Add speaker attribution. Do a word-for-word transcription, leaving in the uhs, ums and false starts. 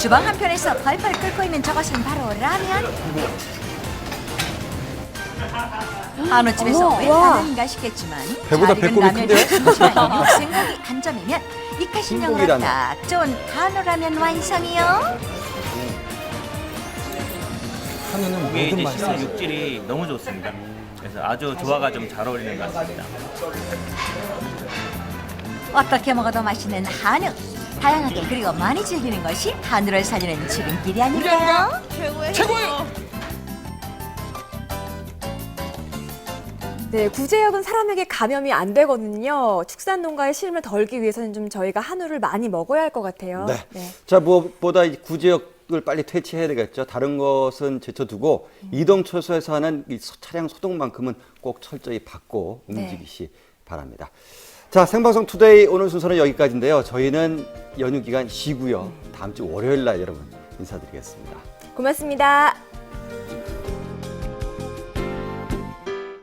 Speaker 1: 주방 한편에서 펄펄 끓고 있는 저것은 바로 라면. 한우집에서
Speaker 2: 어머,
Speaker 1: 왜
Speaker 2: 와.
Speaker 1: 라면인가 싶겠지만
Speaker 3: 배보다
Speaker 1: 잘 익은
Speaker 3: 배꼽이
Speaker 1: 라면이
Speaker 3: 큰데요?
Speaker 1: 심심한 육생고기 한 점이면 입가심용으로
Speaker 3: 흰고기라면.
Speaker 1: 딱 좋은 한우라면 완성이요.
Speaker 4: 한우는
Speaker 5: 이게
Speaker 4: 모든
Speaker 5: 이제
Speaker 4: 맛이
Speaker 5: 씹는 육질이 너무 좋습니다. 그래서 아주 조화가 좀 잘 어울리는 것 같습니다.
Speaker 1: 어떻게 먹어도 맛있는 한우. 다양하게 그리고 많이 즐기는 것이 한우를 살리는 지름길이 아닐까요?
Speaker 4: 최고예요.
Speaker 2: 네, 구제역은 사람에게 감염이 안 되거든요. 축산 농가의 시름을 덜기 위해서는 좀 저희가 한우를 많이 먹어야 할 것 같아요.
Speaker 3: 네. 자, 무엇보다 이 구제역을 빨리 퇴치해야 되겠죠. 다른 것은 제쳐두고
Speaker 2: 음.
Speaker 3: 이동 초소에서 하는 이 소- 차량 소독만큼은 꼭 철저히 받고
Speaker 2: 네.
Speaker 3: 움직이시 바랍니다. 자, 생방송 투데이 오늘 순서는 여기까지인데요. 저희는 연휴 기간 쉬고요. 다음 주 월요일 날 여러분 인사드리겠습니다.
Speaker 2: 고맙습니다.